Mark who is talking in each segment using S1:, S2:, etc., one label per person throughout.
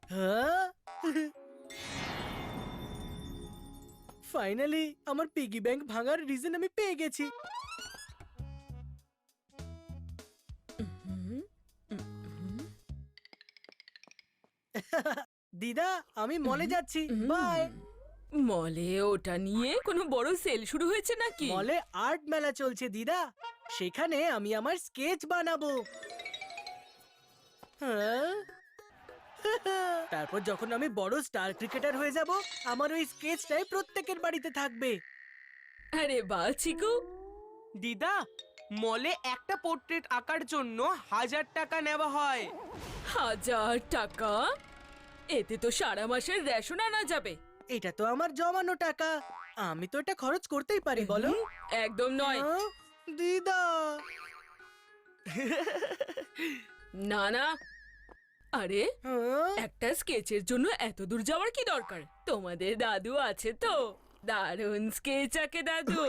S1: হ্যাঁ ফাইনালি আমার piggy bank ভাঙার রিজন আমি পেয়ে গেছি। দিদা আমি মলে যাচ্ছি, বাই।
S2: মলে ওটা নিয়ে কোনো বড় সেল শুরু হয়েছে নাকি?
S1: মলে আর্ট মেলা চলছে দিদা, সেখানে আমি আমার স্কেচ বানাবো। হ্যাঁ? তারপর যখন আমি বড় স্টার ক্রিকেটার হয়ে যাব, আমার ওই স্কেচটাই প্রত্যেকের বাড়িতে থাকবে।
S2: আরে বাহ চিকু,
S3: দিদা, মলে একটা পোর্ট্রেট আঁকার জন্য 1000 টাকা নেওয়া হয়।
S2: 1000 টাকা? এতে তো সারা মাসের রেশন আনা যাবে।
S1: এটা তো আমার জমানো টাকা, আমি তো এটা খরচ করতেই পারি, বলো?
S2: একদম নয়।
S1: হ্যাঁ? দিদা
S2: না না, আরে
S1: হ্যাঁ?
S2: একটা স্কেচের জন্য এত দূর যাওয়ার কি দরকার? তোমাদের দাদু আছে তো, দারুণ স্কেচ আঁকে দাদু।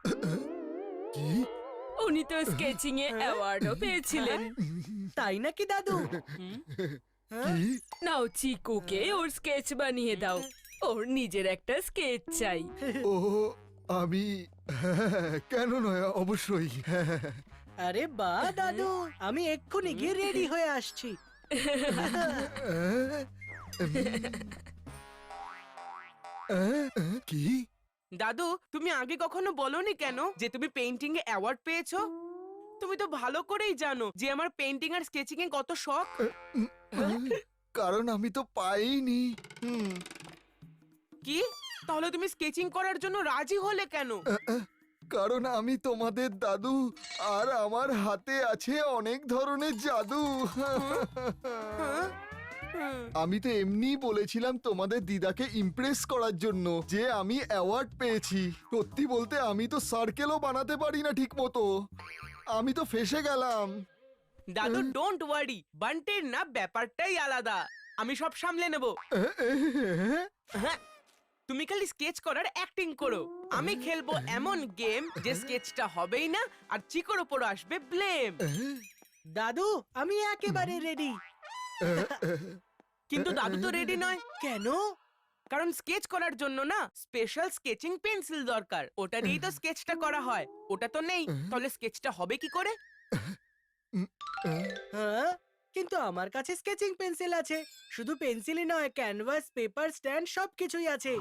S2: উনি তো স্কেচিং এ অ্যাওয়ার্ডও পেয়েছিলেন।
S1: তাই নাকি দাদু? হ্যাঁ?
S4: কি?
S2: নাও চিকুকে ওর স্কেচ বানিয়ে দাও, ওর নিজের একটা স্কেচ চাই।
S4: ও আমি কেন নয়, অবশ্যই।
S1: আরে বা দাদু, আমি এক্ষুনি গিয়ে রেডি হয়ে আসছি।
S4: কি?
S3: দাদু, তুমি আগে কখনো বলনি কেন যে তুমি পেইন্টিং এ অ্যাওয়ার্ড পেয়েছো? তুমি তো ভালো করেই জানো যে আমার পেইন্টিং আর স্কেচিং এ কত শখ।
S4: কারণ আমি তো পাইনি।
S3: কি? তাহলে তুমি স্কেচিং করার জন্য রাজি হলে কেন?
S4: কারণ আমি তোমাদের দাদু, আর আমার হাতে আছে অনেক ধরনের জাদু। আমি তো এমনিই বলেছিলাম তোমাদের দিদাকে ইমপ্রেস করার জন্য যে আমি অ্যাওয়ার্ড পেয়েছি। সত্যি বলতে আমি তো সার্কেলও বানাতে পারি না ঠিক মতো। আমি তো ফেসে গেলাম।
S3: দাদু ডোন্ট ওয়ারি, বান্টির না ব্যাপারটাই আলাদা, আমি সব সামলে নেব। হ্যাঁ, তুমি খালি স্কেচ করার অ্যাক্টিং করো, আমি খেলবো এমন গেম যে স্কেচটা হবেই না আর চিকোর উপর আসবে ব্লেম।
S1: দাদু আমি একেবারে রেডি।
S3: কিন্তু দাদু তো রেডি নয়।
S1: কেন?
S3: কারণ স্কেচ করার জন্য না স্পেশাল স্কেচিং পেন্সিল দরকার, ওটা দিয়েই তো স্কেচটা করা হয়। ওটা তো নেই, তাহলে স্কেচটা হবে কি করে?
S1: হ্যাঁ, কিন্তু আমার কাছে স্কেচিং পেন্সিল আছে। শুধু পেন্সিলই নয়, ক্যানভাস, পেপার, স্ট্যান্ড সবকিছুই আছে।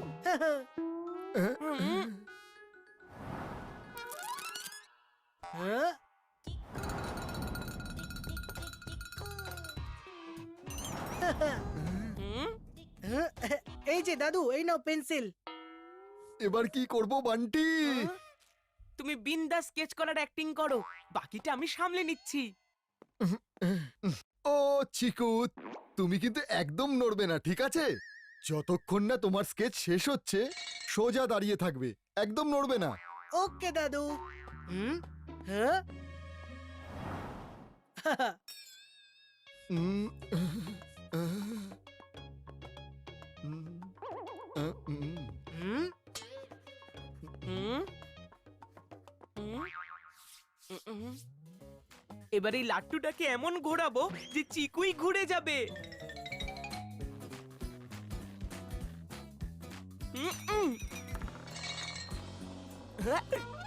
S1: হ্যাঁ? হ্যাঁ, এই যে দাদু, এই নাও পেন্সিল।
S4: এবার কি করব বান্টি?
S3: তুমি বিন্দাস স্কেচ করার অ্যাক্টিং করো, বাকিটা আমি সামলে নিচ্ছি।
S4: ও চিকু, তুমি কিন্তু একদম নড়বে না, ঠিক আছে? যতক্ষণ না তোমার স্কেচ শেষ হচ্ছে সোজা দাঁড়িয়ে থাকবে, একদম নড়বে না।
S1: ওকে দাদু। হ্যাঁ?
S4: উম, আহ, উম, উম।
S1: হুম?
S3: হুম? হুম? হুম? এবার এই লাট্টুটাকে এমন ঘোরাবো যে চিকুই ঘুরে যাবে। হুম, হুম। হ্যাঁ,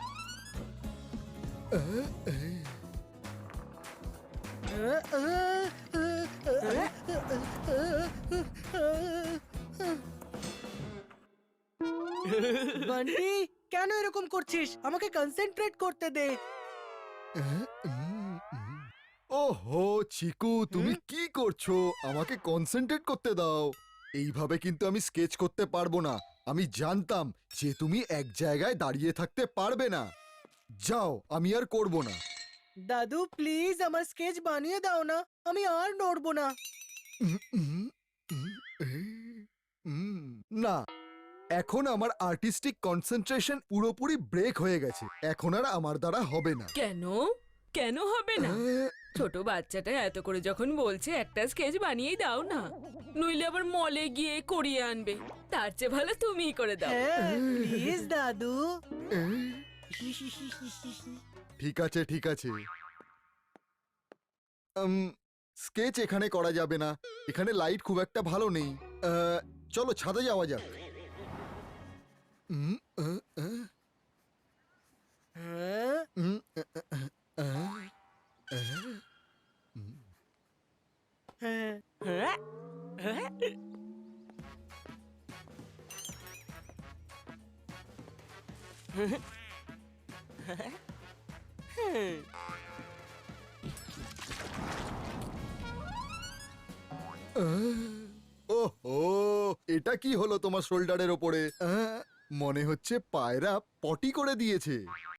S1: বান্টি কেন এরকম করছিস? আমাকে কনসেন্ট্রেট করতে দে।
S4: ওহো চিকু, তুমি কি করছো? আমাকে কনসেন্ট্রেট করতে দাও। এইভাবে কিন্তু আমি স্কেচ করতে পারবো না। আমি জানতাম যে তুমি এক জায়গায় দাঁড়িয়ে থাকতে পারবে না। যাও, আমি আর করব না।
S1: দাদু প্লিজ আমার স্কেচ বানিয়ে দাও না, আমি আর নড়বো না।
S4: না, এখন আমার আর্টিস্টিক কনসেন্ট্রেশন পুরোপুরি ব্রেক হয়ে গেছে। এখন আর আমার দ্বারা হবে না।
S2: কেন? কেন হবে না? ছোট বাচ্চাটা এত করে যখন বলছে একটা স্কেচ বানিয়েই দাও না, নইলে আবার মলে গিয়ে করিয়ে আনবে। তার চেয়ে ভালো তুমিই করে দাও।
S1: হ্যাঁ প্লিজ দাদু।
S4: ঠিক আছে, ঠিক আছে। স্কেচ এখানে করা যাবে না, এখানে লাইট খুব একটা ভালো নেই। চলো ছাদে যাওয়া যাক। উম, আহ, আহ,
S1: হ্যাঁ?
S4: উম, আহ, আহ, উম।
S1: হ্যাঁ।
S3: হ্যাঁ? হ্যাঁ?
S4: ওহো, এটা কি হলো তোমার শোল্ডারের ওপরে? মনে হচ্ছে পায়রা পটি করে দিয়েছে।